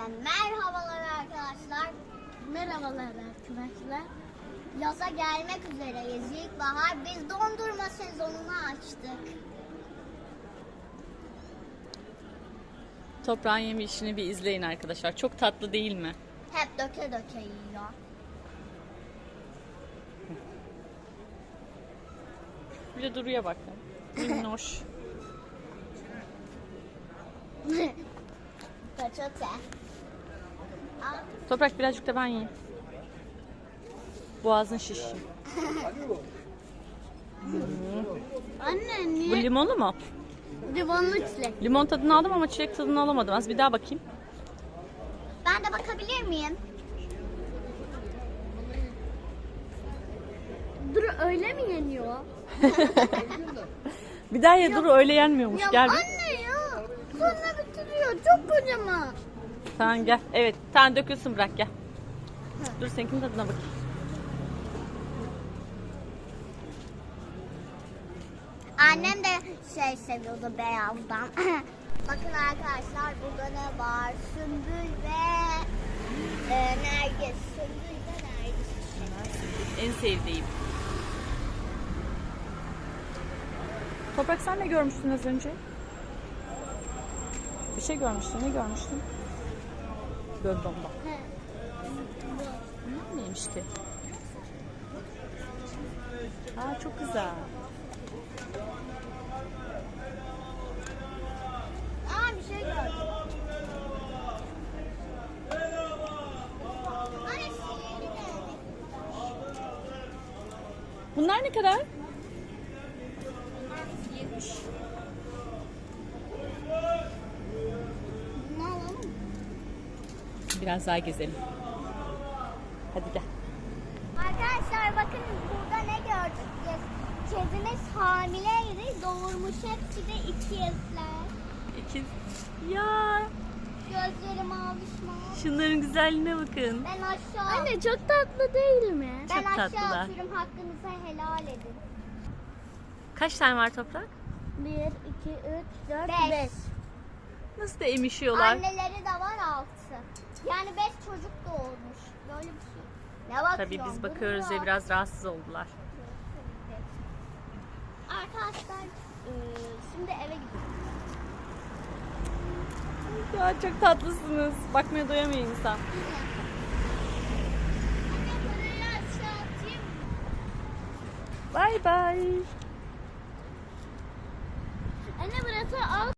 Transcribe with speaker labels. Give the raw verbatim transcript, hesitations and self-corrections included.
Speaker 1: Hepinize merhabalar arkadaşlar.
Speaker 2: Merhabalar arkadaşlar.
Speaker 1: Yaza gelmek üzereyiz. İlkbahar. Biz dondurma sezonunu açtık.
Speaker 3: Toprağın yeme işini bir izleyin arkadaşlar. Çok tatlı değil mi?
Speaker 1: Hep döke döke yiyor.
Speaker 3: Bir de Duru'ya bakın. Minnoş.
Speaker 1: Peçete. Al.
Speaker 3: Toprak birazcık da ben yiyeyim. Boğazın şişsin.
Speaker 2: Anne
Speaker 3: Bu
Speaker 2: niye
Speaker 3: limonlu mu?
Speaker 2: limonlu çilek?
Speaker 3: Limon tadını aldım ama çilek tadını alamadım. Az bir daha bakayım.
Speaker 1: Ben de bakabilir miyim?
Speaker 2: Dur öyle mi yeniyor?
Speaker 3: Bir daha ye Duru, öyle yenmiyormuş.
Speaker 2: Ya
Speaker 3: Gel bir.
Speaker 2: anne ya. Sonra bitiriyor. Çok kocaman.
Speaker 3: Tamam gel. Evet. Tamam dökülsün, bırak gel. Dur seninkinin tadına bakayım.
Speaker 1: Annem de şey seviyordu beyazdan. Bakın arkadaşlar burada ne var? Sümbül ve e, nergis. Sümbül ve nergis.
Speaker 3: En sevdiğim. Toprak sen ne görmüştün az önce? Bir şey görmüştün. Ne görmüştün? Gördüm bak. Bu neymiş ki? Aa çok güzel.
Speaker 1: Aa bir şey gördüm. Anne sihirli geldi.
Speaker 3: Bunlar ne kadar?
Speaker 1: Ne alalım?
Speaker 3: Biraz daha gezelim. Hadi gel.
Speaker 1: Arkadaşlar bakın burada ne gördük biz? Kedimiz hamileydi, doğurmuş, hepsi de ikizler.
Speaker 3: İkiz. Ya
Speaker 1: Gözleri maviş mavi.
Speaker 3: şunların güzelliğine bakın.
Speaker 1: Ben aşağı,
Speaker 2: Anne çok tatlı değil mi?
Speaker 1: ben
Speaker 3: çok
Speaker 1: aşağı
Speaker 3: tatlılar.
Speaker 1: atıyorum, hakkınızı helal edin.
Speaker 3: Kaç tane var Toprak?
Speaker 2: bir, iki, üç, dört,
Speaker 1: Beş.
Speaker 2: beş.
Speaker 3: Nasıl da emişiyorlar.
Speaker 1: Anneleri de var altı. Yani beş çocuk doğurmuş. Böyle bir şey. Ne bakıyorsun?
Speaker 3: Tabii biz bakıyoruz
Speaker 1: Duruyor.
Speaker 3: diye biraz rahatsız oldular.
Speaker 1: Arkadaşlar e, şimdi eve gidiyoruz.
Speaker 3: Ya çok tatlısınız. Bakmaya doyamıyor insan.
Speaker 1: Anne parayı aşağı atayım mı?
Speaker 3: Bay bay.
Speaker 2: Anne burası alt